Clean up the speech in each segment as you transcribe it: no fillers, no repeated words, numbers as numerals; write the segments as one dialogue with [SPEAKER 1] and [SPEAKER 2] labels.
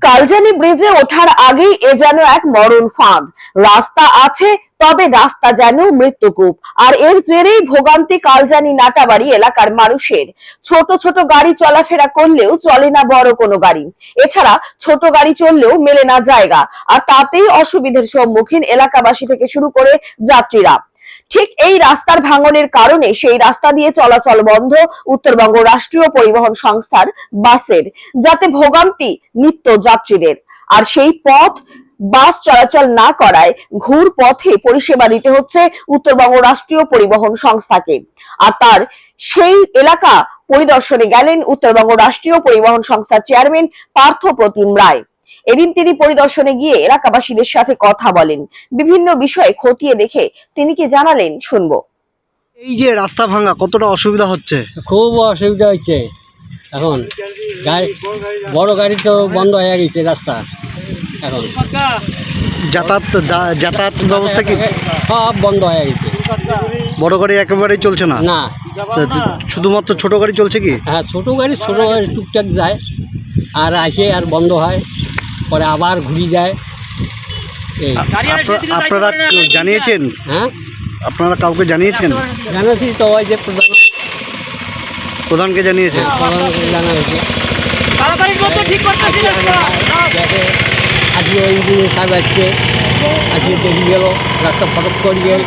[SPEAKER 1] কালজানি ব্রিজে ওঠার আগেই এ যেন এক মরণ ফাঁদ। রাস্তা আছে, তবে রাস্তা যেন মৃত্যুকূপ। আর এর জেরেই ভোগান্তি কালজানি নাটাবাড়ি এলাকার মানুষের। ছোট ছোট গাড়ি চলাফেরা করলেও চলে না বড় কোনো গাড়ি। এছাড়া ছোট গাড়ি চললেও মেলে না জায়গা, আর তাতেই অসুবিধার সম্মুখীন এলাকাবাসী থেকে শুরু করে যাত্রীরা। ঠিক এই রাস্তার ভাঙনের কারণে সেই রাস্তা দিয়ে চলাচল বন্ধ উত্তরবঙ্গ রাষ্ট্রীয় পরিবহন সংস্থার বাসের, যাতে ভোগান্তি নিত্য যাত্রীদের। আর সেই পথ বাস চলাচল না করায় ঘুর পথে পরিষেবা দিতে হচ্ছে উত্তরবঙ্গ রাষ্ট্রীয় পরিবহন সংস্থাকে। আর তার সেই এলাকা পরিদর্শনে গেলেন উত্তরবঙ্গ রাষ্ট্রীয় পরিবহন সংস্থার চেয়ারম্যান পার্থ প্রতিম রায়। এদিন তিনি পরিদর্শনে গিয়ে এলাকাবাসীদের সাথে কথা বলেন, বিভিন্ন বিষয়ে খতিয়ে দেখে তিনি কি জানালেন শুনবো।
[SPEAKER 2] এই যে রাস্তা ভাঙা কতটা অসুবিধা হচ্ছে?
[SPEAKER 3] খুব অসুবিধা হচ্ছে। এখন বড় গাড়ি তো বন্ধ হয়ে গেছে রাস্তা। এখন
[SPEAKER 2] যাতায়াত ব্যবস্থা কি
[SPEAKER 3] সব বন্ধ হয়ে গেছে।
[SPEAKER 2] বড় গাড়ি একেবারেই চলছে না?
[SPEAKER 3] না,
[SPEAKER 2] শুধুমাত্র ছোট গাড়ি চলছে কি?
[SPEAKER 3] হ্যাঁ, ছোট গাড়ি টুকটাক যায়, আর আসে আর বন্ধ হয়, পরে আবার ঘুরে যায়। এই
[SPEAKER 2] আপনারা জানিয়েছেন?
[SPEAKER 3] হ্যাঁ,
[SPEAKER 2] আপনারা কাউকে জানিয়েছেন?
[SPEAKER 3] জানাচ্ছি তো, ওই যে
[SPEAKER 2] প্রধানকে জানিয়েছেন?
[SPEAKER 3] প্রধানকে জানা হয়েছে। দেখে আজকে ওই দিনে সাহেব আসছে, আজকে দেখে গেল রাস্তা ফটক করে গেল।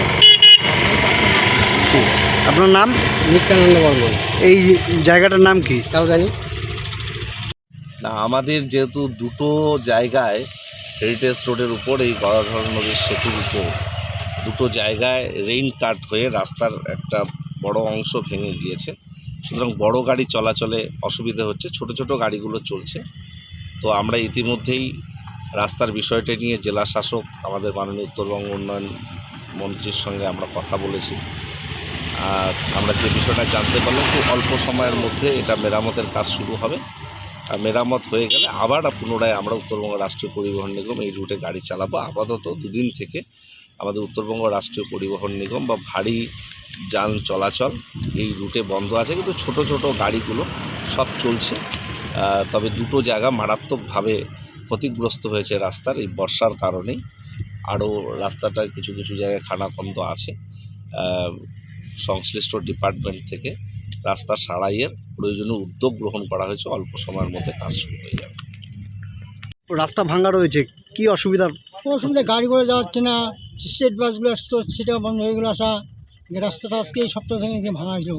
[SPEAKER 2] আপনার নাম?
[SPEAKER 3] নিত্যানন্দ বর্মন।
[SPEAKER 2] এই জায়গাটার নাম কি?
[SPEAKER 3] কালজানি।
[SPEAKER 4] না, আমাদের যেহেতু দুটো জায়গায় হেরিটেজ রোডের উপর এই গদাধর নদীর সেতুর উপর দুটো জায়গায় রেইন কাট হয়ে রাস্তার একটা বড় অংশ ভেঙে গিয়েছে, সুতরাং বড় গাড়ি চলাচলে অসুবিধা হচ্ছে, ছোট ছোট গাড়িগুলো চলছে। তো আমরা ইতিমধ্যেই রাস্তার বিষয়টা নিয়ে জেলা শাসক আমাদের মাননীয় উত্তরবঙ্গ উন্নয়ন মন্ত্রীর সঙ্গে আমরা কথা বলেছি। আর আমরা যে বিষয়টা জানতে পারলাম, খুব অল্প সময়ের মধ্যে এটা মেরামতের কাজ শুরু হবে। আর মেরামত হয়ে গেলে আবার পুনরায় আমরা উত্তরবঙ্গ রাষ্ট্রীয় পরিবহন নিগম এই রুটে গাড়ি চালাবো। আপাতত দুদিন থেকে আমাদের উত্তরবঙ্গ রাষ্ট্রীয় পরিবহন নিগম বা ভারী যান চলাচল এই রুটে বন্ধ আছে, কিন্তু ছোট ছোট গাড়িগুলো সব চলছে। তবে দুটো জায়গা মারাত্মকভাবে ক্ষতিগ্রস্ত হয়েছে রাস্তার এই বর্ষার কারণেই। আরও রাস্তাটার কিছু কিছু জায়গায় খানাখন্দ আছে। সংশ্লিষ্ট ডিপার্টমেন্ট থেকে রাস্তা সারাইয়ের প্রয়োজনীয় উদ্যোগ গ্রহণ করা হয়েছে, অল্প সময়ের মধ্যে কাজ শুরু হয়ে যাবে।
[SPEAKER 2] রাস্তা ভাঙা রয়েছে, কি অসুবিধা?
[SPEAKER 5] গাড়ি করে যাচ্ছে না, স্টেট বাসগুলো আসতো সেটাও বন্ধ হয়ে গেলো আসা। রাস্তাটা আজকে এই সপ্তাহ থেকে ভাঙা হয়েছিল।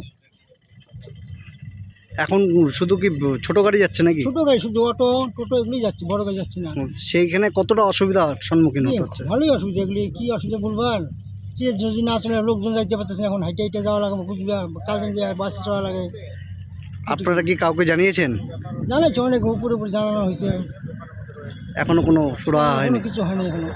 [SPEAKER 2] এখন শুধু কি ছোট গাড়ি যাচ্ছে নাকি?
[SPEAKER 5] ছোটো গাড়ি, শুধু অটো টোটো এগুলি যাচ্ছে, বড় গাড়ি যাচ্ছে না।
[SPEAKER 2] সেইখানে কতটা অসুবিধার সম্মুখীন হতে হচ্ছে?
[SPEAKER 5] ভালোই অসুবিধা, এগুলি কী অসুবিধা বলবার। যে যদি না চলে লোকজন যাইতে পারতেছে না, এখন হাইটে হাইটে যাওয়া লাগে, কালকে যায় বাসে চলা লাগে।
[SPEAKER 2] আপনারা কি কাউকে জানিয়েছেন?
[SPEAKER 5] জানাচ্ছে, অনেক উপরে উপরে জানানো হয়েছে,
[SPEAKER 2] এখনো কোনো সুরাহা হয়নি?
[SPEAKER 5] কিছু হয়নি এখনো।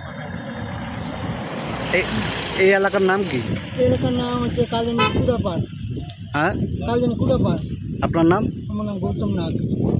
[SPEAKER 2] এই এলাকার নাম কি?
[SPEAKER 5] এই এলাকার নাম হচ্ছে কালজানি কুড়াপাড়।
[SPEAKER 2] হ্যাঁ,
[SPEAKER 5] কালজানি কুড়াপাড়।
[SPEAKER 2] আপনার নাম?
[SPEAKER 5] আমার নাম গৌতম নাগ।